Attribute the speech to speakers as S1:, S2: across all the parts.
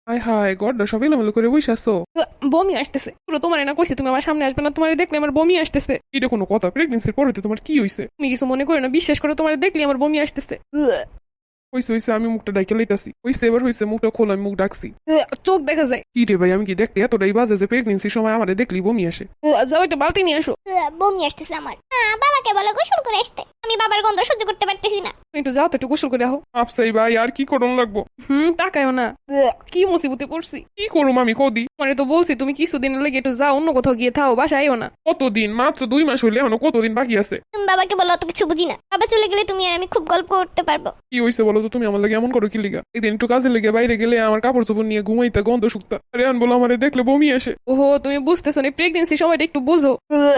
S1: হায় হায় গড্ডা সব এলোমেলো করে বসে আসছো।
S2: বমি আসতেছে পুরো। তোমার না কইছি তুমি আমার সামনে আসবে না, তোমার দেখলে আমার বমি আসতেছে।
S1: এটা কোনো কথা? প্রেগনেন্সির পরে তোমার কি হয়েছে?
S2: তুমি কিছু মনে করো না, বিশ্বাস করো, তোমার দেখলে আমার বমি আসতেছে।
S1: হয়েছে হয়েছে, আমি মুখটা ডাইকে লাইতাছি। হয়েছে এবার হয়েছে, মুখটা খোলা, আমি মুখ ডাকছি।
S2: চোখ দেখা যায়।
S1: কি রে ভাই, আমি কি দেখতে এতটাই বাজে যে প্রেগনেন্সির সময় আমাদের দেখলি বমি আসে?
S2: যাও একটা বালতি নিয়ে আসো।
S3: বমি আসতেছে আমার। বাবাকে বলো গোসল করে আসতে, আমি বাবার গন্ধ সহ্য করতে পারতেছি না।
S2: তুমি একটু যাও তো, একটু গোসল করে আহো।
S1: আপসাই ভাই, আর কি করুন লাগবো?
S2: তাকায়ও না। কি মুসিবতে পড়ছি।
S1: কি করুম আমি কদি?
S2: মানে তো বলছি তুমি কিছুদিন লেগে একটু যাও, অন্য কোথাও গিয়ে থাও, বাসায় আইও না।
S1: কতদিন? মাত্র 2 মাস হইলে এখনো কতদিন বাকি আছে?
S3: তুমি বাবাকে বলো অত কিছু বুঝি না, বাবা চলে গেলে তুমি আর আমি খুব গল্প করতে পারবো।
S1: কি হয়েছে বলো তো? তুমি আমার লাগে এমন করো কি লিগা? একদিন একটু কাজে লেগে বাইরে গেলে আমার কাপড় চোপড় নিয়ে ঘুমাইতে গন্ধ শুকতা, আর এখন বলো আমারে দেখলে বমি আসে।
S2: ওহো, তুমি বুঝতেছো না, প্রেগনেন্সি সময়টা একটু বুঝো।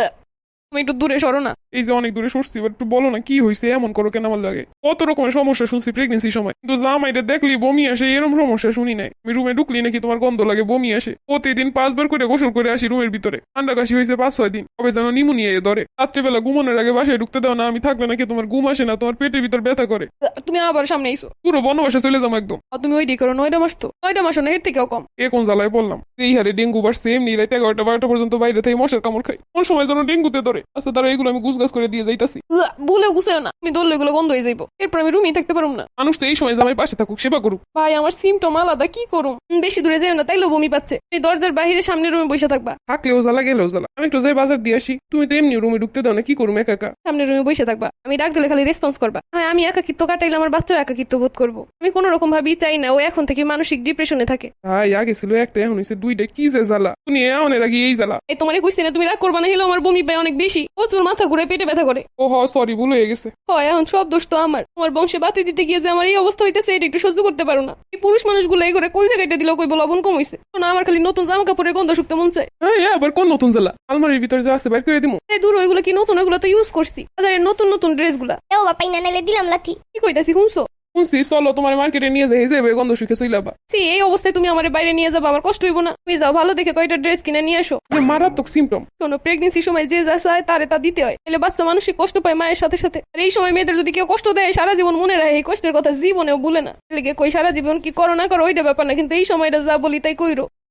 S2: তুমি একটু দূরে সরো না।
S1: এই যে অনেক দূরে সরছি, এবার একটু বলো না কি হয়েছে, এমন করো কেন আমার লাগে? কত রকমের সমস্যা শুনছি প্রেগনেন্সির সময়, কিন্তু জামাইটা দেখলি বমি আসে এরকম সমস্যা শুনি নাই। আমি রুমে ঢুকলি নাকি তোমার গন্ধ লাগে, বমি আসে। প্রতিদিন 5 বার করে গোসল করে আসি রুমের ভিতরে। ঠান্ডা কাশি হয়েছে 5-6 দিন, কবে যেন নিমোনিয়া ধরে। রাত্রেবেলা ঘুমানোর আগে বাসায় ঢুকতে দাও না, আমি থাকলে নাকি তোমার ঘুম আসে না, তোমার পেটের ভিতর ব্যথা করে।
S2: তুমি আবার সামনে আইসো।
S1: পুরো বনবাসে চলে যাবো একদম।
S2: তুমি ওইটাই করো, 9টা মাস তো, 9টা মাসও না, এর থেকেও কম।
S1: এ কোন জ্বালায় বললাম? এই হারে ডেঙ্গু বাড়ছে, এমনি রাতে 11টা-12টা পর্যন্ত বাইরে থেকে মশার কামড় খাই, কোন সময় যেন ডেঙ্গুতে ধরে। আচ্ছা তারা এগুলো আমি গুছগাছ করে দিয়ে যাইতাছি।
S2: বলে গুছাও না, তুমি দললে এগুলো বন্ধ হয়ে যাইবো, এরপর আমি রুমেই থাকতে পারুম না।
S1: মানুষ তো এই সময় জামাই পাশে থাকুক, সেবা করুক।
S2: ভাই আমার সিমটম আলাদা, কি করুম? বেশি দূরে যাও না, তাইলেও বমি পাচ্ছে। এই দরজার বাইরে সামনে রুমে বসে থাকবা।
S1: থাকলেও জ্বালা, গেলেও জ্বালা। আমি একটু যাই বাজার দিয়ে আসি, তুমি তো এমনি রুমে ঢুকতে দাও না, কি করুম একা একা?
S2: সামনে রুমে বসে থাকবা, আমি ডাক দিলে খালি রেসপন্স করবা। হ্যাঁ, আমি একাকিত্ব কাটাইলে আমার বাচ্চাও একাকিত্ব বোধ করবো। আমি কোনো রকম ভাবেই চাই না ও এখন থেকে মানসিক ডিপ্রেশনে থাকে।
S1: ভাই আগে ছিল একটা, এখন হয়েছে 2টা, কি যে জ্বালা। তুমি এমনের আগে এই জ্বালা।
S2: এই তোমার কইছি না, তুমি রাগ করবা না, হলেও আমার বমি পায় অনেক বেশি, প্রচুর মাথা ঘুরে, পেটে ব্যথা করে।
S1: ও হ, সরি, ভুল হয়ে গেছে।
S2: হয় এখন সব দোষ তো আমার। তোমার বংশে বাতি দিতে গিয়ে যে আমার এই অবস্থা হইতেছে, এটা একটু সহ্য করতে পারো না। এই পুরুষ মানুষগুলো এই করে কই জায়গাটা দিলেও কই লবণ কম হইছে না, আমার খালি নতুন জামা কাপড়ের গন্ধ শুকতে মন চায়।
S1: হ্যাঁ, আবার কোন নতুন জ্বালা? আলমারির ভিতরে যা আছে বের করে দিমু।
S2: এই দূর, ওইগুলো কি নতুন? ওইগুলো তো ইউজ করছি, বাজারের নতুন নতুন ড্রেস গুলা।
S3: ও বাপাই না নাইলে দিলাম লাথি।
S2: কি কইতাছি শুনছো?
S1: শুনছি, চলো তোমার মার্কেটে নিয়ে যাই, যাবে গন্ধ শুকে চইলাবা।
S2: এই অবস্থায় তুমি আমার বাইরে নিয়ে যাবো, আমার কষ্ট হইব না? তুমি যাও, ভালো দেখে কয়টা ড্রেস কিনে নিয়ে আসো।
S1: যে মারাত্মক সিমটম।
S2: শোনো, প্রেগনেন্সির সময় যে যা চায় তারে তা দিতে হয়, তাহলে বাচ্চা মানসিক কষ্ট পায় মায়ের সাথে সাথে। আর এই সময় মেয়েদের যদি কেউ কষ্ট দেয়, সারা জীবন মনে রাখে, এই কষ্টের কথা জীবনেও ভুলে না। লেগে কই সারা জীবন কি করো না করো ওইটা ব্যাপার না, কিন্তু এই সময়টা যা বলি তাই কইরো।